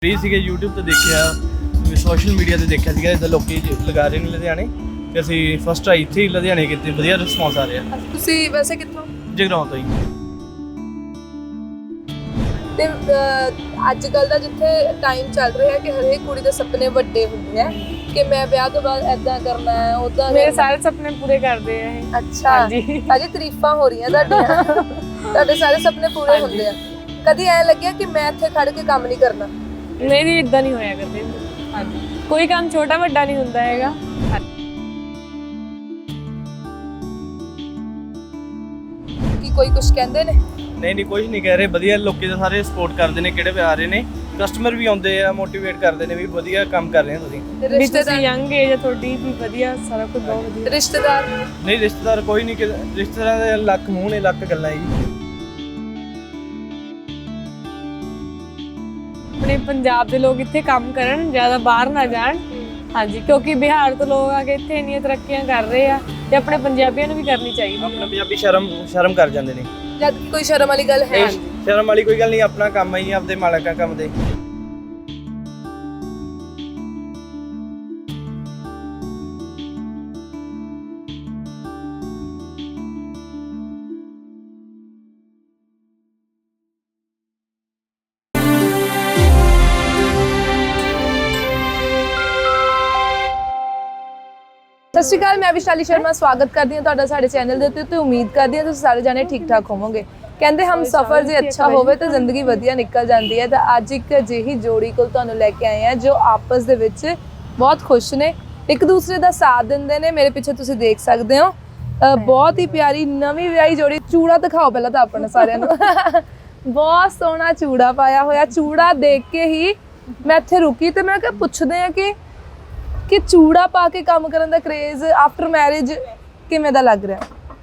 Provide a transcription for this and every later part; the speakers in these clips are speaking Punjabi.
ਫ੍ਰੀ ਸੀਗੇ YouTube ਤੇ ਦੇਖਿਆ, ਸੋਸ਼ਲ ਮੀਡੀਆ ਤੇ ਦੇਖਿਆ ਸੀਗਾ ਇਦਾਂ ਲੋਕੀ ਲਗਾ ਰਹੇ ਨੇ ਲੁਧਿਆਣੇ ਤੇ ਅਸੀਂ ਫਸਟ ਟਰਾਈ ਇੱਥੇ ਹੀ ਲੁਧਿਆਣੇ ਕੀਤੀ, ਵਧੀਆ ਰਿਸਪੌਂਸ ਆ ਰਿਹਾ। ਤੁਸੀਂ ਵੈਸੇ ਕਿੱਥੋਂ? ਜਗਰਾਉਂ ਤੋਂ ਹੀ। ਤੇ ਅੱਜ ਕੱਲ ਦਾ ਜਿੱਥੇ ਟਾਈਮ ਚੱਲ ਰਿਹਾ ਕਿ ਹਰੇਕ ਕੁੜੀ ਦੇ ਸੁਪਨੇ ਵੱਡੇ ਹੁੰਦੇ ਆ ਕਿ ਮੈਂ ਵਿਆਹ ਤੋਂ ਬਾਅਦ ਐਦਾਂ ਕਰਨਾ ਹੈ ਉਦਾਂ। ਮੇਰੇ ਸਾਰੇ ਸੁਪਨੇ ਪੂਰੇ ਕਰਦੇ ਆ ਇਹ। ਅੱਛਾ ਜੀ, ਸਾਡੀ ਤਾਰੀਫਾਂ ਹੋ ਰਹੀਆਂ ਤੁਹਾਡੀਆਂ। ਤੁਹਾਡੇ ਸਾਰੇ ਸੁਪਨੇ ਪੂਰੇ ਹੁੰਦੇ ਆ। ਕਦੀ ਐ ਲੱਗਿਆ ਕਿ ਮੈਂ ਇੱਥੇ ਖੜ ਕੇ ਕੰਮ ਨਹੀਂ ਕਰਨਾ? ਨਹੀਂ ਇਦਾਂ ਨਹੀਂ ਹੋਇਆ ਕਰਦੇ। ਹਾਂਜੀ, ਕੋਈ ਕੰਮ ਛੋਟਾ ਵੱਡਾ ਨਹੀਂ ਹੁੰਦਾ ਹੈਗਾ। ਕੀ ਕੋਈ ਕੁਝ ਕਹਿੰਦੇ ਨੇ? ਨਹੀਂ ਕੁਝ ਨਹੀਂ ਕਹਿ ਰਹੇ, ਵਧੀਆ ਲੋਕੀ ਤਾਂ ਸਾਰੇ ਸਪੋਰਟ ਕਰਦੇ ਨੇ, ਕਿਹੜੇ ਵੀ ਆ ਰਹੇ ਨੇ, ਕਸਟਮਰ ਵੀ ਆਉਂਦੇ ਆ, ਮੋਟੀਵੇਟ ਕਰਦੇ ਨੇ ਵੀ ਵਧੀਆ ਕੰਮ ਕਰ ਰਹੇ ਹੋ ਤੁਸੀਂ। ਵੀ ਤੁਸੀਂ ਯੰਗ ਏਜ ਆ ਤੁਹਾਡੀ, ਵੀ ਵਧੀਆ ਸਾਰਾ ਕੁਝ ਬਹੁਤ ਵਧੀਆ। ਰਿਸ਼ਤੇਦਾਰ? ਨਹੀਂ ਰਿਸ਼ਤੇਦਾਰ ਕੋਈ ਨਹੀਂ, ਰਿਸ਼ਤੇਦਾਰਾਂ ਦੇ ਲੱਖ ਮੂੰਹ ਨੇ, ਲੱਖ ਗੱਲਾਂ ਜੀ। ਆਪਣੇ ਪੰਜਾਬ ਦੇ ਲੋਕ ਇੱਥੇ ਕੰਮ ਕਰਨ, ਜ਼ਿਆਦਾ ਬਾਹਰ ਨਾ ਜਾਣ। ਹਾਂਜੀ, ਕਿਉਂਕਿ ਬਿਹਾਰ ਤੋਂ ਲੋਕ ਆ ਕੇ ਇੱਥੇ ਇੰਨੀਆਂ ਤਰੱਕੀਆਂ ਕਰ ਰਹੇ ਆ ਤੇ ਆਪਣੇ ਪੰਜਾਬੀਆਂ ਨੂੰ ਵੀ ਕਰਨੀ ਚਾਹੀਦੀ। ਆਪਣੇ ਪੰਜਾਬੀ ਸ਼ਰਮ ਕਰ ਜਾਂਦੇ ਨੇ, ਜਦ ਕਿ ਕੋਈ ਸ਼ਰਮ ਵਾਲੀ ਗੱਲ ਹੈ। ਸ਼ਰਮ ਵਾਲੀ ਕੋਈ ਗੱਲ ਨਹੀਂ, ਆਪਣਾ ਕੰਮ ਹੈ ਜੀ, ਆਪਦੇ ਮਾਲਕਾਂ ਕੰਮ ਦੇ। ਸਤਿ ਸ਼੍ਰੀ ਅਕਾਲ, ਮੈਂ ਵਿਸ਼ਾਲੀ ਸ਼ਰਮਾ ਸਵਾਗਤ ਕਰਦੀ ਹਾਂ ਤੁਹਾਡਾ ਸਾਡੇ ਚੈਨਲ ਦੇ ਉੱਤੇ ਤੇ ਉਮੀਦ ਕਰਦੀ ਹਾਂ ਤੁਸੀਂ ਸਾਰੇ ਜਾਣੇ ਠੀਕ ਠਾਕ ਹੋਵੋਗੇ। ਕਹਿੰਦੇ ਹਮ ਸਫ਼ਰ ਜੇ ਅੱਛਾ ਹੋਵੇ ਤਾਂ ਜ਼ਿੰਦਗੀ ਵਧੀਆ ਨਿਕਲ ਜਾਂਦੀ ਹੈ। ਤਾਂ ਅੱਜ ਇੱਕ ਅਜਿਹੀ ਜੋੜੀ ਕੋਲ ਤੁਹਾਨੂੰ ਲੈ ਕੇ ਆਏ ਹਾਂ ਜੋ ਆਪਸ ਦੇ ਵਿੱਚ ਬਹੁਤ ਖੁਸ਼ ਨੇ, ਇੱਕ ਦੂਸਰੇ ਦਾ ਸਾਥ ਦਿੰਦੇ ਨੇ। ਮੇਰੇ ਪਿੱਛੇ ਤੁਸੀਂ ਦੇਖ ਸਕਦੇ ਹੋ ਬਹੁਤ ਹੀ ਪਿਆਰੀ ਨਵੀਂ ਵਿਆਹੀ ਜੋੜੀ। ਚੂੜਾ ਦਿਖਾਓ ਪਹਿਲਾਂ ਤਾਂ ਆਪਣੇ ਸਾਰਿਆਂ ਨੂੰ। ਬਹੁਤ ਸੋਹਣਾ ਚੂੜਾ ਪਾਇਆ ਹੋਇਆ। ਚੂੜਾ ਦੇਖ ਕੇ ਹੀ ਮੈਂ ਇੱਥੇ ਰੁਕੀ ਤੇ ਮੈਂ ਕਿਹਾ ਪੁੱਛਦੇ ਆ ਕਿ ਚੂੜਾ ਪਾ ਕੇ ਕੰਮ ਕਰਨ ਦਾ ਕ੍ਰੇਜ਼ ਆਫਟਰ ਮੈਰਿਜ ਕਿਵੇਂ ਦਾ ਲੱਗ ਰਿਹਾ?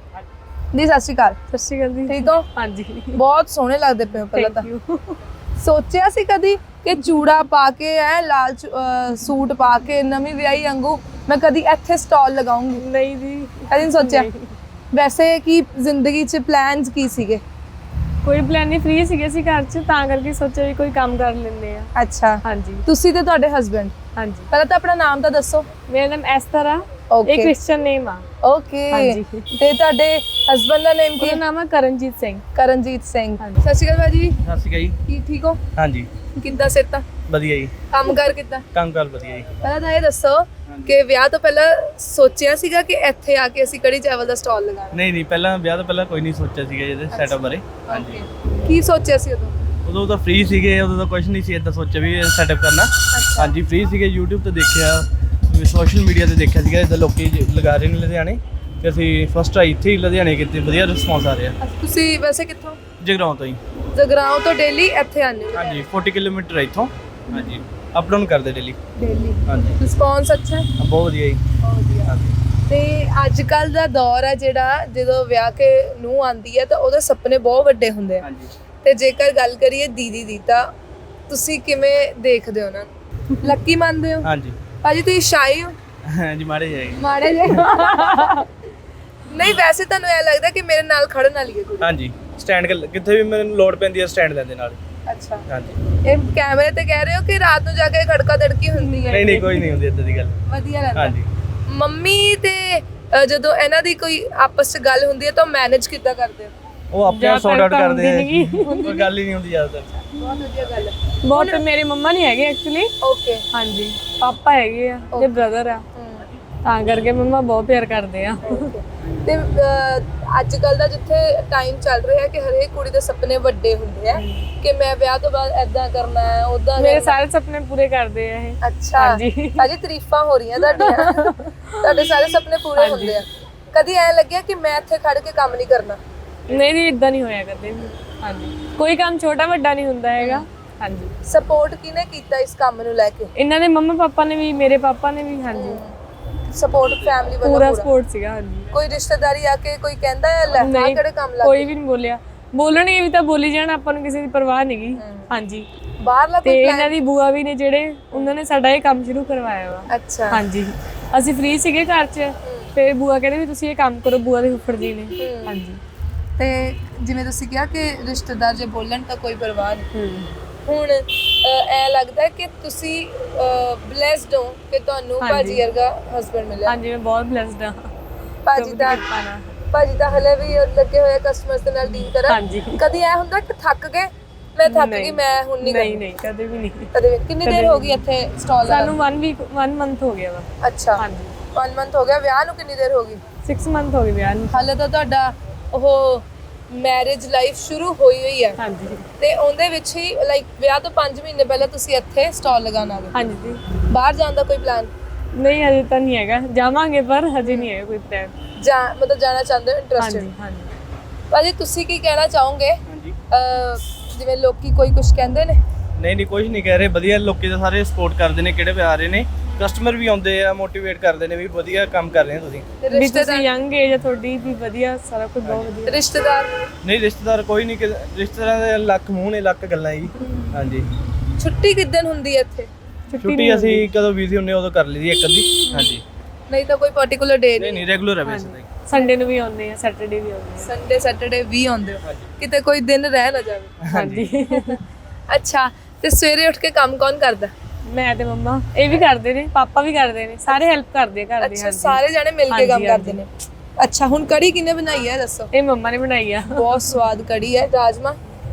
ਜੀ ਸਤਿ ਸ਼੍ਰੀ ਅਕਾਲ। ਸਤਿ ਸ਼੍ਰੀ ਅਕਾਲ ਜੀ, ਠੀਕ ਹੋ? ਹਾਂਜੀ, ਬਹੁਤ ਸੋਹਣੇ ਲੱਗਦੇ ਪਏ ਹੋ। ਪਹਿਲਾਂ ਤਾਂ ਸੋਚਿਆ ਸੀ ਕਦੀ ਕਿ ਚੂੜਾ ਪਾ ਕੇ ਲਾਲ ਸੂਟ ਪਾ ਕੇ ਨਵੀਂ ਵਿਆਹੀ ਵਾਂਗੂ ਮੈਂ ਕਦੀ ਇੱਥੇ ਸਟਾਲ ਲਗਾਉਂਗੀ? ਨਹੀਂ ਜੀ, ਕਦੀ ਨਹੀਂ ਸੋਚਿਆ। ਵੈਸੇ ਕੀ ਜ਼ਿੰਦਗੀ 'ਚ ਪਲਾਨਸ ਕੀ ਸੀਗੇ? ਕੋਈ ਪਲਾਨ ਨਹੀਂ, ਫ੍ਰੀ ਸੀਗੇ ਅਸੀਂ ਘਰ 'ਚ, ਤਾਂ ਕਰਕੇ ਸੋਚਿਆ ਵੀ ਕੋਈ ਕੰਮ ਕਰ ਲੈਂਦੇ ਆ। ਅੱਛਾ, ਹਾਂਜੀ। ਤੁਸੀਂ ਤੇ ਤੁਹਾਡੇ ਹਸਬੈਂਡ? ਹਾਂਜੀ। ਪਹਿਲਾਂ ਤਾਂ ਆਪਣਾ ਨਾਮ ਤਾਂ ਦੱਸੋ। ਮੇਰਾ ਨਾਮ ਐਸਤਰ ਆ, ਇਹ ਕ੍ਰਿਸਚੀਅਨ ਨੇਮ ਆ। ਓਕੇ। ਹਾਂਜੀ। ਤੇ ਤੁਹਾਡੇ ਹਸਬੈਂਡ ਦਾ ਨੇਮ ਕੀ? ਉਹਦਾ ਨਾਮ ਆ ਕਰਨਜੀਤ ਸਿੰਘ। ਕਰਨਜੀਤ ਸਿੰਘ। ਹਾਂਜੀ। ਸਤਿ ਸ਼੍ਰੀ ਅਕਾਲ ਭਾਜੀ। ਸਤਿ ਸ਼੍ਰੀ ਅਕਾਲ ਜੀ। ਕੀ ਠੀਕ ਹੋ? ਹਾਂਜੀ ਕਿੱਦਾਂ ਸਿਹਤਾਂ? ਵਧੀਆ ਜੀ। ਕੰਮ ਕਰ ਕਿੱਦਾਂ? ਕੰਮ ਕਰ ਵਧੀਆ ਜੀ। ਪਹਿਲਾਂ ਤਾਂ ਇਹ ਦੱਸੋ ਕਿ ਵਿਆਹ ਤੋਂ ਪਹਿਲਾਂ ਸੋਚਿਆ ਸੀਗਾ ਕਿ ਇੱਥੇ ਆ ਕੇ ਅਸੀਂ ਕੜੀ ਚਾਵਲ ਦਾ ਸਟਾਲ ਲਗਾਉਣਾ? ਨਹੀਂ ਪਹਿਲਾਂ ਵਿਆਹ ਤੋਂ ਪਹਿਲਾਂ ਕੋਈ ਨਹੀਂ ਸੋਚਿਆ ਸੀਗਾ ਇਹਦੇ ਸੈਟਅਪ ਬਾਰੇ। ਹਾਂਜੀ। ਕੀ ਸੋਚਿਆ ਸੀ ਉਦੋਂ ਤਾਂ ਫ੍ਰੀ ਸੀਗੇ, ਉਦੋਂ ਤਾਂ ਕੁਝ ਨਹੀਂ ਸੀ ਇਦਾਂ ਸੋਚਿਆ ਵੀ ਸੈਟਅਪ ਕਰਨਾ। ਹਾਂਜੀ, ਫ੍ਰੀ ਸੀਗੇ, YouTube ਤੇ ਦੇਖਿਆ, ਸੋਸ਼ਲ ਮੀਡੀਆ ਤੇ ਦੇਖਿਆ ਸੀਗਾ ਇਦਾਂ ਲੋਕੀ ਲਗਾ ਰਹੇ ਨੇ ਲੁਧਿਆਣੇ ਤੇ ਅਸੀਂ ਫਸਟ ਟਰਾਈ ਇੱਥੇ ਹੀ ਲੁਧਿਆਣੇ ਕੀਤੀ, ਵਧੀਆ ਰਿਸਪੌਂਸ ਆ ਰਿਹਾ। ਤੁਸੀਂ ਵੈਸੇ ਕਿੱਥੋਂ? ਜਗਰਾਉਂ ਤੋਂ ਹੀ। ਜਗਰਾਉਂ ਤੋਂ ਡੇਲੀ ਇੱਥੇ ਆਉਂਦੇ ਹੋ? ਹਾਂਜੀ, 40 ਕਿਲੋਮੀਟਰ ਹੈ ਇੱਥੋਂ। ਹਾਂਜੀ, ਅਪ ਡਾਊਨ ਕਰਦੇ ਡੇਲੀ। ਹਾਂਜੀ, ਰਿਸਪੌਂਸ ਅੱਛਾ ਹੈ? ਬਹੁਤ ਵਧੀਆ ਜੀ। ਬਹੁਤ ਵਧੀਆ। ਹਾਂਜੀ। ਤੇ ਅੱਜ ਕੱਲ ਦਾ ਦੌਰ ਹੈ ਜਿਹੜਾ, ਜਦੋਂ ਵਿਆਹ ਕੇ ਨੂੰਹ ਆਉਂਦੀ ਹੈ ਤਾਂ ਉਹਦੇ ਸੁਪਨੇ ਬਹੁਤ ਵੱਡੇ ਹੁੰਦੇ ਆ। ਹਾਂਜੀ। ਤੇ ਜੇਕਰ ਗੱਲ ਕਰੀਏ ਦੀਦੀ ਦੀ, ਤਾਂ ਤੁਸੀਂ ਕਿਵੇਂ ਦੇਖਦੇ ਹੋ ਉਹਨਾਂ ਨੂੰ? ਲੱਕੀ ਮੰਨਦੇ ਹੋ? ਹਾਂਜੀ ਭਾਜੀ ਤੁਸੀਂ ਸ਼ਾਈ ਹੋ? ਹਾਂਜੀ, ਮਾੜੇ ਜਾਏਗੀ। ਮਾੜੇ ਜੇ? ਨਹੀਂ ਵੈਸੇ ਤੁਹਾਨੂੰ ਇਹ ਲੱਗਦਾ ਕਿ ਮੇਰੇ ਨਾਲ ਖੜਨ ਵਾਲੀ ਹੈ ਕੋਈ? ਹਾਂਜੀ, ਸਟੈਂਡ ਕਿੱਥੇ ਵੀ ਮੈਨੂੰ ਲੋੜ ਪੈਂਦੀ ਹੈ ਸਟੈਂਡ ਲੈਂਦੇ ਨਾਲ। ਅੱਛਾ। ਹਾਂਜੀ। ਇਹ ਕੈਮਰੇ ਤੇ ਕਹਿ ਰਹੇ ਹੋ ਕਿ ਰਾਤ ਨੂੰ ਜਾ ਕੇ ਖੜਕਾ ਧੜਕੀ ਹੁੰਦੀ ਹੈ? ਨਹੀਂ ਕੋਈ ਨਹੀਂ ਹੁੰਦੀ ਇਦਾਂ ਦੀ ਗੱਲ। ਵਧੀਆ ਲੱਗਦਾ। ਹਾਂਜੀ। ਮੰਮੀ ਤੇ ਜਦੋਂ ਇਹਨਾਂ ਦੀ ਕੋਈ ਆਪਸ 'ਚ ਗੱਲ ਹੁੰਦੀ ਹੈ ਤਾਂ ਮੈਨੇਜ ਕਿੱਦਾਂ ਕਰਦੇ ਹੋ? ਉਹ ਆਪਣੇ ਆਪ ਸੌਟ ਆਊਟ ਕਰਦੇ ਆ, ਨਹੀਂ ਕੋਈ ਗੱਲ ਹੀ ਨਹੀਂ ਹੁੰਦੀ ਜ਼ਿਆਦਾਤਰ। ਬਹੁਤ ਵਧੀਆ ਗੱਲ ਹੈ। ਬਹੁਤ। ਮੇਰੇ ਮੰਮਾ ਨਹੀਂ ਹੈਗੇ ਐਕਚੁਅਲੀ। ਓਕੇ। ਹਾਂਜੀ, ਪਾਪਾ ਹੈਗੇ ਆ ਤੇ ਬ੍ਰਦਰ ਆ, ਤਾਂ ਕਰਕੇ ਮੰਮਾ ਬਹੁਤ ਪਿਆਰ ਕਰਦੇ ਆ। ਤੇ ਅੱਜ ਕੱਲ ਦਾ ਜਿੱਥੇ ਟਾਈਮ ਚੱਲ ਰਿਹਾ ਕਿ ਹਰੇਕ ਕੁੜੀ ਦੇ ਸੁਪਨੇ ਵੱਡੇ ਹੁੰਦੇ ਆ ਕਿ ਮੈਂ ਵਿਆਹ ਤੋਂ ਬਾਅਦ ਐਦਾਂ ਕਰਨਾ ਹੈ ਉਦਾਂ। ਮੇਰੇ ਸਾਰੇ ਸੁਪਨੇ ਪੂਰੇ ਕਰਦੇ ਆ ਇਹ। ਅੱਛਾ। ਹਾਂਜੀ। ਭਾਜੀ ਤਾਰੀਫਾਂ ਹੋ ਰਹੀਆਂ ਤੁਹਾਡੀਆਂ। ਤੁਹਾਡੇ ਸਾਰੇ ਸੁਪਨੇ ਪੂਰੇ ਹੁੰਦੇ ਆ। ਕਦੀ ਐ ਲੱਗਿਆ ਕਿ ਮੈਂ ਇੱਥੇ ਖੜ ਕੇ ਕੰਮ ਨਹੀਂ ਕਰਨਾ? ਨਹੀਂ ਇਦਾਂ ਨਹੀਂ ਹੋਇਆ ਕਰਦੇ। ਹਾਂਜੀ, ਕੋਈ ਕੰਮ ਛੋਟਾ ਵੱਡਾ ਨਹੀਂ ਹੁੰਦਾ ਹੈਗਾ। ਹਾਂਜੀ। ਸਪੋਰਟ ਕਿਹਨੇ ਕੀਤਾ ਇਸ ਕੰਮ ਨੂੰ ਲੈ ਕੇ? ਇਹਨਾਂ ਦੇ ਮੰਮਾ ਪਾਪਾ ਨੇ ਵੀ, ਮੇਰੇ ਪਾਪਾ ਨੇ ਵੀ। ਹਾਂਜੀ, ਸਪੋਰਟ ਫੈਮਿਲੀ ਵੱਲੋਂ ਪੂਰਾ ਸਪੋਰਟ ਸੀਗਾ। ਹਾਂਜੀ। ਕੋਈ ਰਿਸ਼ਤੇਦਾਰੀ ਆ ਕੇ ਕੋਈ ਕਹਿੰਦਾ ਹੈ ਲੈ ਆ ਕਿਹੜੇ ਕੰਮ ਲੱਗ? ਕੋਈ ਵੀ ਨਹੀਂ ਬੋਲਿਆ। ਬੋਲਣਗੇ ਵੀ ਤਾਂ ਬੋਲੀ ਜਾਣ, ਆਪਾਂ ਨੂੰ ਕਿਸੇ ਦੀ ਪਰਵਾਹ ਨਹੀਂਗੀ। ਹਾਂਜੀ। ਬਾਹਰਲਾ ਤੇ ਇਹਨਾਂ ਦੀ ਬੂਆ ਵੀ ਨੇ ਜਿਹੜੇ, ਉਹਨਾਂ ਨੇ ਸਾਡਾ ਇਹ ਕੰਮ ਸ਼ੁਰੂ ਕਰਵਾਇਆ ਵਾ। ਅੱਛਾ। ਹਾਂਜੀ, ਅਸੀਂ ਫ੍ਰੀ ਸੀਗੇ ਘਰ 'ਚ, ਫਿਰ ਬੂਆ ਕਹਿੰਦੇ ਵੀ ਤੁਸੀਂ ਇਹ ਕੰਮ ਕਰੋ, ਬੂਆ ਦੇ ਫੁੱਫੜ ਜੀ ਨੇ। ਹਾਂਜੀ। ਤੇ ਜਿਵੇਂ ਤੁਸੀਂ ਕਿਹਾ ਕਿ ਰਿਸ਼ਤੇਦਾਰ ਜੇ ਬੋਲਣ ਤਾਂ ਕੋਈ ਪਰਵਾਹ ਨਹੀਂ। ਹੁਣ ਐ ਲੱਗਦਾ ਹੈ ਕਿ ਤੁਸੀਂ ਬਲੈਸਡ ਹੋ ਕਿ ਤੁਹਾਨੂੰ ਭਾਜੀ ਵਰਗਾ ਹਸਬੰਡ ਮਿਲਿਆ। ਹਾਂਜੀ ਮੈਂ ਬਹੁਤ ਬਲੈਸਡ ਹਾਂ। ਭਾਜੀ ਤਾਂ ਹਲੇ ਵੀ ਲੱਗੇ ਹੋਏ ਕਸਟਮਰਸ ਦੇ ਨਾਲ ਡੀਲ ਕਰਨ। ਹਾਂਜੀ ਕਦੀ ਐ ਹੁੰਦਾ ਕਿ ਥੱਕ ਗਏ, ਮੈਂ ਥੱਕ ਗਈ, ਮੈਂ ਹੁਣ ਨਹੀਂ ਨਹੀਂ ਨਹੀਂ ਕਦੇ ਵੀ ਨਹੀਂ। ਕਦੇ ਵੀ। ਕਿੰਨੀ ਦੇਰ ਹੋ ਗਈ ਇੱਥੇ ਸਟਾਲ ਸਾਨੂੰ 1 ਮੰਥ ਹੋ ਗਿਆ ਵਾ। ਅੱਛਾ ਹਾਂਜੀ 1 ਮੰਥ ਹੋ ਗਿਆ। ਵਿਆਹ ਨੂੰ ਕਿੰਨੀ ਦੇਰ ਹੋ ਗਈ? 6 ਮੰਥ ਹੋ ਗਏ ਵਿਆਹ ਨੂੰ। ਹਾਲੇ ਤਾਂ ਤੁਹਾਡਾ ਉਹ ਮੈਰਿਜ ਲਾਈਫ ਸ਼ੁਰੂ ਹੋਈ ਹੈ ਹਾਂਜੀ ਤੇ ਉਹਦੇ ਵਿੱਚ ਹੀ ਲਾਈਕ ਵਿਆਹ ਤੋਂ 5 ਮਹੀਨੇ ਪਹਿਲਾਂ ਤੁਸੀਂ ਇੱਥੇ ਸਟਾਲ ਲਗਾਉਣ ਆ ਗਏ। ਹਾਂਜੀ ਜੀ। ਬਾਹਰ ਜਾਣ ਦਾ ਕੋਈ ਪਲਾਨ? ਨਹੀਂ ਹਜੇ ਤਾਂ ਨਹੀਂ ਹੈਗਾ, ਜਾਵਾਂਗੇ ਪਰ ਹਜੇ ਨਹੀਂ ਹੈ ਕੋਈ ਪਲਾਨ। ਮਤਲਬ ਜਾਣਾ ਚਾਹੁੰਦੇ ਹੋ, ਇੰਟਰਸਟਿਡ? ਹਾਂਜੀ ਹਾਂਜੀ। ਭਾਜੀ ਤੁਸੀਂ ਕੀ ਕਹਿਣਾ ਚਾਹੋਗੇ? ਹਾਂਜੀ ਜਿਵੇਂ ਲੋਕੀ ਕੋਈ ਕੁਝ ਕਹਿੰਦੇ ਨੇ? ਨਹੀਂ ਕੁਝ ਨਹੀਂ ਕਹਿ ਰਹੇ, ਵਧੀਆ ਲੋਕੀ ਤਾਂ ਸਾਰੇ ਸਪੋਰਟ ਕਰਦੇ ਨੇ, ਕਿਹੜੇ ਵੀ ਆ ਰਹੇ ਨੇ, ਕਸਟਮਰ ਵੀ ਆਉਂਦੇ ਆ, ਮੋਟੀਵੇਟ ਕਰਦੇ ਨੇ ਵੀ ਵਧੀਆ ਕੰਮ ਕਰ ਰਹੇ ਹੋ ਤੁਸੀਂ। ਵੀ ਤੁਸੀਂ ਯੰਗ ਏਜ ਆ ਤੁਹਾਡੀ ਵੀ ਵਧੀਆ, ਸਾਰਾ ਕੁਝ ਬਹੁਤ ਵਧੀਆ। ਰਿਸ਼ਤੇਦਾਰ? ਨਹੀਂ ਰਿਸ਼ਤੇਦਾਰ ਕੋਈ ਨਹੀਂ, ਰਿਸ਼ਤੇਦਾਰਾਂ ਦੇ ਲੱਖ ਮੂੰਹ ਨੇ, ਲੱਖ ਗੱਲਾਂ ਜੀ। ਹਾਂਜੀ। ਛੁੱਟੀ ਕਿੱਦਣ ਹੁੰਦੀ ਹੈ ਇੱਥੇ? ਛੁੱਟੀ ਅਸੀਂ ਕਦੋਂ ਬਿਜ਼ੀ ਹੁੰਨੇ ਉਦੋਂ ਕਰ ਲਈਦੀ ਇੱਕ ਅੱਧੀ। ਹਾਂਜੀ ਨਹੀਂ ਤਾਂ ਕੋਈ ਪਾਰਟਿਕੂਲਰ ਡੇ ਨਹੀਂ ਰੈਗੂਲਰ ਹੈ ਵੈਸੇ ਤਾਂ। ਸੰਡੇ ਨੂੰ ਵੀ ਆਉਂਦੇ ਆ, ਸੈਟਰਡੇ ਵੀ ਆਉਂਦੇ ਸੰਡੇ ਸੈਟਰਡੇ ਵੀ ਆਉਂਦੇ ਹੋ? ਕਿਤੇ ਕੋਈ ਦਿਨ ਰਹਿ ਨਾ ਜਾਵੇ। ਆ। ਹਾਂਜੀ ਅੱਛਾ ਤੇ ਸਵੇਰੇ ਉੱਠ ਕੇ ਕੰਮ ਕੌਣ ਕਰਦਾ? ਮੈਂ ਤੇ ਮੰਮਾ, ਇਹ ਵੀ ਕਰਦੇ ਨੇ, ਪਾਪਾ ਵੀ ਕਰਦੇ ਨੇ, ਸਾਰੇ ਹੈਲਪ ਕਰਦੇ ਆ ਘਰ ਦੇ। ਅੱਛਾ ਸਾਰੇ ਜਾਣੇ ਮਿਲ ਕੇ ਕੰਮ ਕਰਦੇ ਨੇ। ਅੱਛਾ ਹੁਣ ਕੜੀ ਕਿਹਨੇ ਬਣਾਈ ਹੈ ਦੱਸੋ? ਇਹ ਮੰਮਾ ਨੇ ਬਣਾਈ ਆ। ਬਹੁਤ ਸਵਾਦ ਕੜੀ ਹੈ। ਰਾਜਮਾ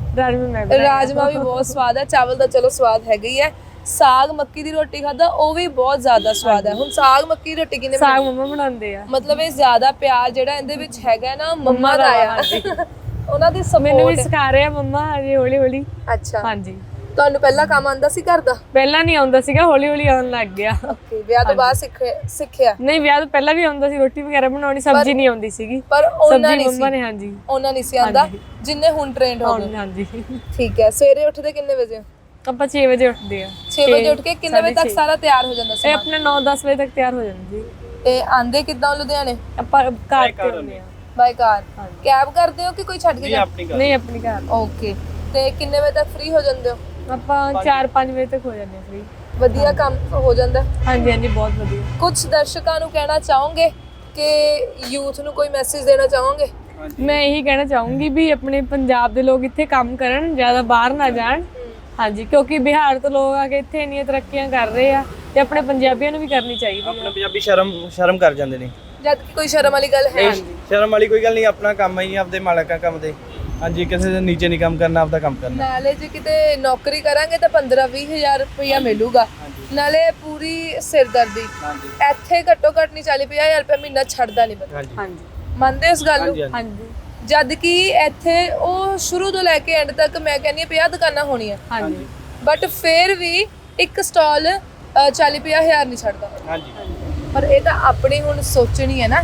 ਮੈਂ ਰਾਜਮਾ ਵੀ ਬਹੁਤ ਸਵਾਦ ਹੈ। ਚਾਵਲ ਦਾ ਚਲੋ ਸਵਾਦ ਹੈਗਾ ਹੀ ਹੈ। ਸਾਗ ਮੱਕੀ ਦੀ ਰੋਟੀ ਖਾਦਾ, ਉਹ ਵੀ ਬਹੁਤ ਜ਼ਿਆਦਾ ਸਵਾਦ ਹੈ। ਹੁਣ ਸਾਗ ਮੱਕੀ ਦੀ ਰੋਟੀ ਕਿਹਨੇ ਸਾਗ ਮੰਮਾ ਬਣਾਉਂਦੇ ਆ। ਮਤਲਬ ਇਹ ਜ਼ਿਆਦਾ ਪਿਆਰ ਜਿਹੜਾ ਇਹਦੇ ਵਿੱਚ ਹੈਗਾ ਨਾ ਮੰਮਾ ਦਾ ਆ। ਉਹਨਾਂ ਦੀ ਮੈਨੂੰ ਵੀ ਸਪੋਰਟ। ਸਿਖਾ ਰਹੇ ਆ ਮੰਮਾ ਹਜੇ ਹੌਲੀ ਹੌਲੀ। ਅੱਛਾ ਹਾਂਜੀ। ਤੁਹਾਨੂੰ ਪਹਿਲਾਂ ਕੰਮ ਆਉਂਦਾ ਸੀ ਘਰ ਦਾ? ਪਹਿਲਾਂ ਨਹੀਂ ਆਉਂਦਾ ਸੀਗਾ, ਹੌਲੀ ਹੌਲੀ ਆਉਣ ਲੱਗ ਗਿਆ। ਓਕੇ ਵਿਆਹ ਤੋਂ ਬਾਅਦ ਸਿੱਖਿਆ? ਨਹੀਂ ਵਿਆਹ ਤੋਂ ਪਹਿਲਾਂ ਵੀ ਆਉਂਦਾ ਸੀ, ਰੋਟੀ ਵਗੈਰਾ ਬਣਾਉਣੀ, ਸਬਜ਼ੀ ਨਹੀਂ ਆਉਂਦੀ ਸੀਗੀ। ਪਰ ਉਹਨਾਂ ਨਹੀਂ ਮੰਮਾ ਨੇ। ਹਾਂਜੀ ਉਹਨਾਂ ਨਹੀਂ ਸੀ ਆਉਂਦਾ ਜਿੰਨੇ ਹੁਣ ਟ੍ਰੇਨਡ ਹੋ ਗਏ। ਹਾਂਜੀ ਠੀਕ ਹੈ। ਸਵੇਰੇ ਉੱਠਦੇ ਕਿੰਨੇ ਵਜੇ? ਆਪਾਂ 6 ਵਜੇ ਉੱਠਦੇ ਆ। 6 ਵਜੇ ਉੱਠ ਕੇ ਕਿੰਨੇ ਵਜੇ ਤੱਕ ਸਾਰਾ ਤਿਆਰ ਹੋ ਜਾਂਦਾ ਸੀ? ਇਹ ਆਪਣੇ 9-10 ਵਜੇ ਤੱਕ ਤਿਆਰ ਹੋ ਜਾਂਦੀ। ਤੇ ਆਂਦੇ ਕਿੱਦਾਂ ਲੁਧਿਆਣੇ? ਆਪਾਂ ਕਾਰ ਤੇ ਆਉਂਦੇ ਆ। ਬਾਈ ਕਾਰ? ਕੈਬ ਕਰਦੇ ਹੋ ਕਿ ਕੋਈ ਛੱਡ ਕੇ ਜਾਂਦਾ? ਨਹੀਂ ਆਪਣੀ ਕਾਰ। ਓਕੇ। ਤੇ ਕਿੰਨੇ ਵਜੇ ਤੱਕ ਫ੍ਰੀ ਹੋ ਜਾਂਦੇ ਹੋ? ਆਪਾਂ 4-5 ਵਜੇ ਤੱਕ ਹੋ ਜਾਂਦੇ ਆ ਫ੍ਰੀ। ਵਧੀਆ ਕੰਮ ਹੋ ਜਾਂਦਾ? ਹਾਂਜੀ ਹਾਂਜੀ ਬਹੁਤ ਵਧੀਆ। ਕੁਝ ਦਰਸ਼ਕਾਂ ਨੂੰ ਕਹਿਣਾ ਚਾਹੋਗੇ ਕਿ ਯੂਥ ਨੂੰ ਕੋਈ ਮੈਸੇਜ ਦੇਣਾ ਚਾਹੋਗੇ? ਮੈਂ ਇਹੀ ਕਹਿਣਾ ਚਾਹੂੰਗੀ ਵੀ ਆਪਣੇ ਪੰਜਾਬ ਦੇ ਲੋਕ ਇੱਥੇ ਕੰਮ ਕਰਨ, ਜ਼ਿਆਦਾ ਬਾਹਰ ਨਾ ਜਾਣ। ਹਾਂਜੀ ਕਿਉਂਕਿ ਬਿਹਾਰ ਤੋਂ ਲੋਕ ਆ ਕੇ ਇੱਥੇ ਇੰਨੀਆਂ ਤਰੱਕੀਆਂ ਕਰ ਰਹੇ ਆ ਤੇ ਆਪਣੇ ਪੰਜਾਬੀਆਂ ਨੂੰ ਵੀ ਕਰਨੀ ਚਾਹੀਦੀ ਆਪਣੇ ਪੰਜਾਬੀ ਸ਼ਰਮ ਕਰ ਜਾਂਦੇ ਨੇ। ਜਦ ਕਿ ਕੋਈ ਸ਼ਰਮ ਵਾਲੀ ਗੱਲ ਹੈ? ਸ਼ਰਮ ਵਾਲੀ ਕੋਈ ਗੱਲ ਨਹੀਂ, ਆਪਣਾ ਕੰਮ ਹੈ ਆਪਦੇ ਮਾਲਕਾਂ ਕੰਮ ਦੇ। ਹਾਂਜੀ ਕਿਸੇ ਦੇ ਨੀਚੇ ਨਹੀਂ ਕੰਮ ਕਰਨਾ, ਆਪਦਾ ਕੰਮ ਕਰਨਾ। ਨਾਲੇ ਜੇ ਕਿਤੇ ਨੌਕਰੀ ਕਰਾਂਗੇ ਤਾਂ 15-20 ਹਜ਼ਾਰ ਰੁਪਇਆ ਮਿਲੂਗਾ, ਨਾਲੇ ਪੂਰੀ ਸਿਰਦਰਦੀ। ਇੱਥੇ ਘੱਟੋ ਘੱਟ ਨਹੀਂ 40-50 ਹਜ਼ਾਰ ਰੁਪਇਆ ਮਹੀਨਾ ਛੱਡਦਾ ਨਹੀਂ ਬੰਦਾ। ਹਾਂਜੀ ਮੰਨਦੇ ਉਸ ਗੱਲ ਨੂੰ? ਹਾਂਜੀ। ਜਦ ਕਿ ਇੱਥੇ ਉਹ ਸ਼ੁਰੂ ਤੋਂ ਲੈ ਕੇ ਐਂਡ ਤੱਕ ਮੈਂ ਕਹਿੰਦੀ ਹਾਂ 50 ਦੁਕਾਨਾਂ ਹੋਣੀਆਂ। ਹਾਂਜੀ ਬਟ ਫਿਰ ਵੀ ਇੱਕ ਸਟਾਲ 40-50 ਹਜ਼ਾਰ ਨਹੀਂ ਛੱਡਦਾ। ਹਾਂਜੀ। ਪਰ ਇਹ ਤਾਂ ਆਪਣੀ ਹੁਣ ਸੋਚਣੀ ਹੈ ਨਾ,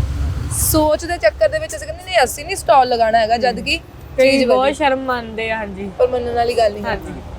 ਸੋਚ ਦੇ ਚੱਕਰ ਦੇ ਵਿੱਚ ਅਸੀਂ ਕਹਿੰਦੇ ਨਹੀਂ ਅਸੀਂ ਨਹੀਂ ਸਟਾਲ ਲਗਾਉਣਾ ਹੈਗਾ, ਜਦ ਕਿ ਕਈ ਬਹੁਤ ਸ਼ਰਮ ਮੰਨਦੇ ਆ। ਹਾਂਜੀ ਪਰ ਮੰਨਣ ਵਾਲੀ ਗੱਲ ਨਹੀਂ।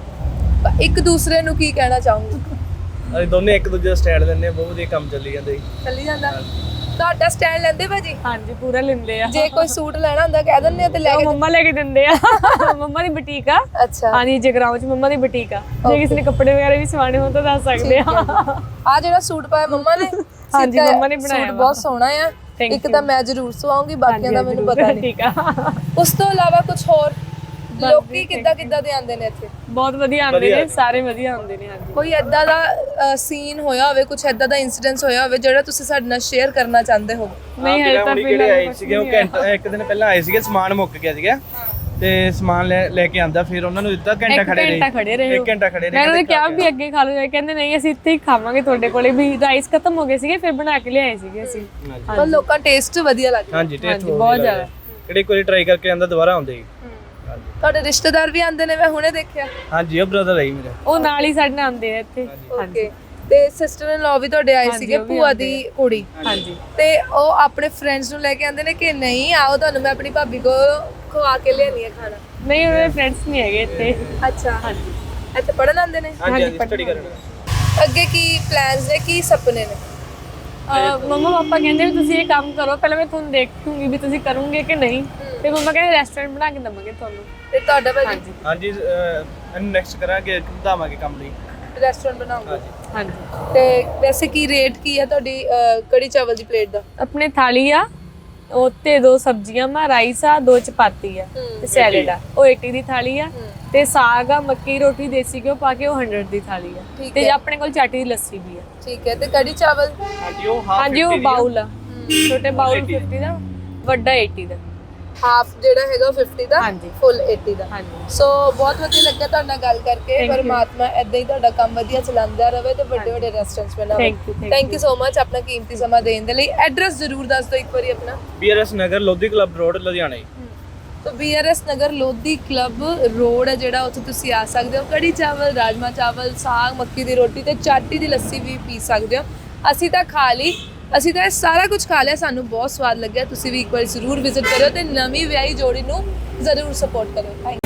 ਹਾਂਜੀ। ਇੱਕ ਦੂਸਰੇ ਨੂੰ ਕੀ ਕਹਿਣਾ ਚਾਹੂੰਗੀ? ਅਸੀਂ ਦੋਨੇ ਇੱਕ ਦੂਜੇ ਦਾ ਸਟੈਂਡ ਲੈਂਦੇ ਆ, ਬਹੁਤ ਵਧੀਆ ਕੰਮ ਚੱਲੀ ਜਾਂਦਾ ਜੀ। ਚੱਲੀ ਜਾਂਦਾ। ਤੁਹਾਡਾ ਸਟੈਂਡ ਲੈਂਦੇ ਭਾਜੀ? ਹਾਂਜੀ ਪੂਰਾ ਲੈਂਦੇ ਆ। ਜੇ ਕੋਈ ਸੂਟ ਲੈਣਾ ਹੁੰਦਾ ਕਹਿ ਦਿੰਦੇ ਆ ਤੇ ਲੈ ਕੇ? ਮੰਮਾ ਲੈ ਕੇ ਦਿੰਦੇ ਆ। ਮੰਮਾ ਦੀ ਬੁਟੀਕ ਆ। ਅੱਛਾ। ਹਾਂਜੀ ਜਗਰਾਉਂ ਚ ਮੰਮਾ ਦੀ ਬੁਟੀਕ ਆ, ਜੇ ਕਿਸੇ ਨੇ ਕੱਪੜੇ ਵਗੈਰਾ ਵੀ ਸਵਾਣੇ ਹੋਣ ਤਾਂ ਦੱਸ ਸਕਦੇ ਆ। ਆ ਜਿਹੜਾ ਸੂਟ ਪਾਇਆ ਮੰਮਾ ਨੇ? ਹਾਂਜੀ ਮੰਮਾ ਨੇ ਬਣਾਇਆ। ਸੂਟ ਬਹੁਤ ਸੋਹਣਾ ਆ। ਇੱਕ ਤਾਂ ਮੈਂ ਜ਼ਰੂਰ ਸਵਾਉਂਗੀ, ਬਾਕੀਆਂ ਦਾ ਮੈਨੂੰ ਪਤਾ ਨਹੀਂ। ਠੀਕ ਆ। ਉਸ ਤੋਂ ਇਲਾਵਾ ਕੁਝ ਹੋਰ ਲੋਕੀ ਕਿੱਦਾਂ ਦੇ ਆਉਂਦੇ ਨੇ ਇੱਥੇ? ਬਹੁਤ ਵਧੀਆ ਆਉਂਦੇ ਨੇ, ਸਾਰੇ ਵਧੀਆ ਆਉਂਦੇ ਨੇ। ਹਾਂਜੀ ਕੋਈ ਐਦਾਂ ਦਾ ਸੀਨ ਹੋਇਆ ਹੋਵੇ, ਕੁਝ ਐਦਾਂ ਦਾ ਇਨਸੀਡੈਂਸ ਹੋਇਆ ਹੋਵੇ ਜਿਹੜਾ ਤੁਸੀਂ ਸਾਡੇ ਨਾਲ ਸ਼ੇਅਰ ਕਰਨਾ ਚਾਹੁੰਦੇ ਹੋ? ਨਹੀਂ ਹਜੇ ਤਾਂ ਕਿਹੜੇ ਆਏ ਸੀਗੇ, ਉਹ ਇੱਕ ਦਿਨ ਪਹਿਲਾਂ ਆਏ ਸੀਗੇ, ਸਮਾਨ ਮੁੱਕ ਗਿਆ ਸੀਗਾ ਤੇ ਸਮਾਨ ਲੈ ਕੇ ਆਂਦਾ, ਫਿਰ ਉਹਨਾਂ ਨੂੰ ਦਿੱਤਾ, ਘੰਟਾ ਖੜੇ ਰਹੇ। 1 ਘੰਟਾ ਖੜੇ ਰਹੇ। ਮੈਂ ਉਹਨਾਂ ਨੇ ਕਿਹਾ ਵੀ ਅੱਗੇ ਖਾ ਲਓ, ਕਹਿੰਦੇ ਨਹੀਂ ਅਸੀਂ ਇੱਥੇ ਹੀ ਖਾਵਾਂਗੇ ਤੁਹਾਡੇ ਕੋਲੇ, ਵੀ ਰਾਈਸ ਖਤਮ ਹੋ ਗਏ ਸੀਗੇ ਫਿਰ ਬਣਾ ਕੇ ਲਿਆਏ ਸੀਗੇ ਅਸੀਂ। ਪਰ ਲੋਕਾਂ ਟੇਸਟ ਵਧੀਆ ਲੱਗਦਾ। ਹਾਂਜੀ ਟੇਸਟ ਬਹੁਤ ਜ਼ਿਆਦਾ। ਕਿਹੜੇ ਕੋਈ ਟਰਾਈ ਕਰਕੇ ਆਂਦਾ ਦੁਬਾਰਾ ਆਉਂਦੇ ਜੀ। ਤੁਹਾਡੇ ਰਿਸ਼ਤੇਦਾਰ ਵੀ ਆਉਂਦੇ ਨੇ, ਮੈਂ ਹੁਣੇ ਦੇਖਿਆ। ਹਾਂਜੀ ਉਹ ਬ੍ਰਦਰ ਹੈ ਮੇਰਾ, ਉਹ ਨਾਲ ਹੀ ਸਾਡੇ ਨਾਲ ਆਉਂਦੇ ਆ ਇੱਥੇ। ਓਕੇ। ਤੇ ਸਿਸਟਰ ਇਨ ਲਾ ਵੀ ਤੁਹਾਡੇ ਆਏ ਸੀਗੇ, ਭੂਆ ਦੀ ਕੁੜੀ। ਹਾਂਜੀ। ਤੇ ਉਹ ਆਪਣੇ ਫਰੈਂਡਸ ਨੂੰ ਲੈ ਕੇ ਆਉਂਦੇ ਨੇ ਕਿ ਨਹੀਂ ਆਓ ਤੁਹਾਨੂੰ ਮੈਂ ਆਪਣੀ ਭਾਬੀ ਕੋ ਖਵਾ ਕੇ ਲਿਆਨੀ ਹੈ ਖਾਣਾ? ਨਹੀਂ ਉਹਦੇ ਫਰੈਂਡਸ ਨਹੀਂ ਹੈਗੇ ਇੱਥੇ। ਅੱਛਾ। ਹਾਂਜੀ ਇੱਥੇ ਪੜਨ ਆਉਂਦੇ ਨੇ? ਹਾਂਜੀ ਸਟੱਡੀ ਕਰਨ। ਅੱਗੇ ਕੀ ਪਲਾਨਸ ਨੇ, ਕੀ ਸੁਪਨੇ ਨੇ? ਮੰਮਾ ਪਾਪਾ ਕਹਿੰਦੇ ਵੀ ਤੁਸੀਂ ਇਹ ਕੰਮ ਕਰੋ, ਪਹਿਲਾਂ ਮੈਂ ਤੁਹਾਨੂੰ ਦੇਖੂੰਗੀ ਵੀ ਤੁਸੀਂ ਕਰੋਗੇ ਕਿ ਨਹੀਂ, ਤੇ ਮੰਮਾ ਕਹਿੰਦੇ ਰੈਸਟੋਰੈਂਟ ਬਣਾ ਕੇ ਦਵਾਂਗੇ ਤੁਹਾਨੂੰ। ਤੇ ਤੁਹਾਡਾ ਭਾਜੀ? ਹਾਂਜੀ ਨੈਕਸਟ ਕਰਾਂਗੇ, ਵਧਾਵਾਂਗੇ ਕੰਮ ਲਈ, ਰੈਸਟੋਰੈਂਟ ਬਣਾਉਂਗੇ। ਹਾਂਜੀ। ਤੇ ਵੈਸੇ ਕੀ ਰੇਟ ਕੀ ਹੈ ਤੁਹਾਡੀ ਕੜੀ ਚਾਵਲ ਦੀ ਪਲੇਟ ਦਾ? ਆਪਣੇ ਥਾਲੀ ਆ, ਉੱਤੇ 2 ਸਬਜ਼ੀਆਂ ਮਾ, ਰਾਈਸ ਆ, 2 ਚਪਾਤੀ ਆ ਤੇ ਸੈਲਡ ਆ, ਉਹ 80 ਦੀ ਥਾਲੀ ਆ। ਤੇ ਸਾਗ ਆ, ਮੱਕੀ ਰੋਟੀ, ਦੇਸੀ ਘਿਓ ਪਾ ਕੇ ਉਹ 100 ਦੀ ਥਾਲੀ ਆ। ਠੀਕ ਤੇ ਹੈ। ਆਪਣੇ ਕੋਲ ਚਾਟੀ ਦੀ ਲੱਸੀ ਵੀ ਆ। ਠੀਕ ਹੈ। ਤੇ ਕੜੀ ਚਾਵਲ? ਹਾਂਜੀ ਉਹ ਹਾਫ ਹਾਂਜੀ ਉਹ ਬਾਉਲ ਆ, ਛੋਟੇ ਬਾਉਲ 50 ਦਾ, ਵੱਡਾ 80 ਦਾ। ਹਾਫ ਜਿਹੜਾ ਹੈਗਾ 50 ਦਾ, ਹਾਂਜੀ। ਫੁੱਲ 80 ਦਾ। ਹਾਂਜੀ ਸੋ ਬਹੁਤ ਵਧੀਆ ਲੱਗਾ ਤੁਹਾਡੇ ਨਾਲ ਗੱਲ ਕਰਕੇ। Thank you. ਪਰਮਾਤਮਾ ਏਦਾਂ ਹੀ ਤੁਹਾਡਾ ਕੰਮ ਵਧੀਆ ਚਲਾਉਂਦਾ ਰਹੇ ਤੇ ਵੱਡੇ ਵੱਡੇ ਰੈਸਟੋਰੈਂਟਸ ਬਣਾਵੇ। Thank you, thank thank you so much ਆਪਣਾ ਕੀਮਤੀ ਸਮਾਂ ਦੇਣ ਦੇ ਲਈ। ਐਡਰੈਸ ਜ਼ਰੂਰ ਦੱਸ ਦਿਓ ਇੱਕ ਵਾਰੀ ਆਪਣਾ। BRS Nagar Lodhi club road Ludhiana ji. ਤੋ BRS Nagar Lodhi club road ਹੈ ਜਿਹੜਾ, ਉੱਥੇ ਤੁਸੀਂ ਆ ਸਕਦੇ ਹੋ। ਕੜੀ ਚਾਵਲ, ਰਾਜਮਾ ਚਾਵਲ, ਸਾਗ, ਮੱਕੀ ਦੀ ਰੋਟੀ ਤੇ ਚਾਟੀ ਦੀ ਲੱਸੀ ਵੀ ਪੀ ਸਕਦੇ ਹੋ। ਅਸੀਂ ਤਾਂ ਖਾ ਲਈ, ਅਸੀਂ ਤਾਂ ਇਹ ਸਾਰਾ ਕੁਝ ਖਾ ਲਿਆ, ਸਾਨੂੰ ਬਹੁਤ ਸਵਾਦ ਲੱਗਿਆ। ਤੁਸੀਂ ਵੀ ਇੱਕ ਵਾਰ ਜ਼ਰੂਰ ਵਿਜ਼ਿਟ ਕਰਿਓ ਤੇ ਨਵੀਂ ਵਿਆਹੀ ਜੋੜੀ ਨੂੰ ਜ਼ਰੂਰ ਸਪੋਰਟ ਕਰਿਓ। ਥੈਂਕ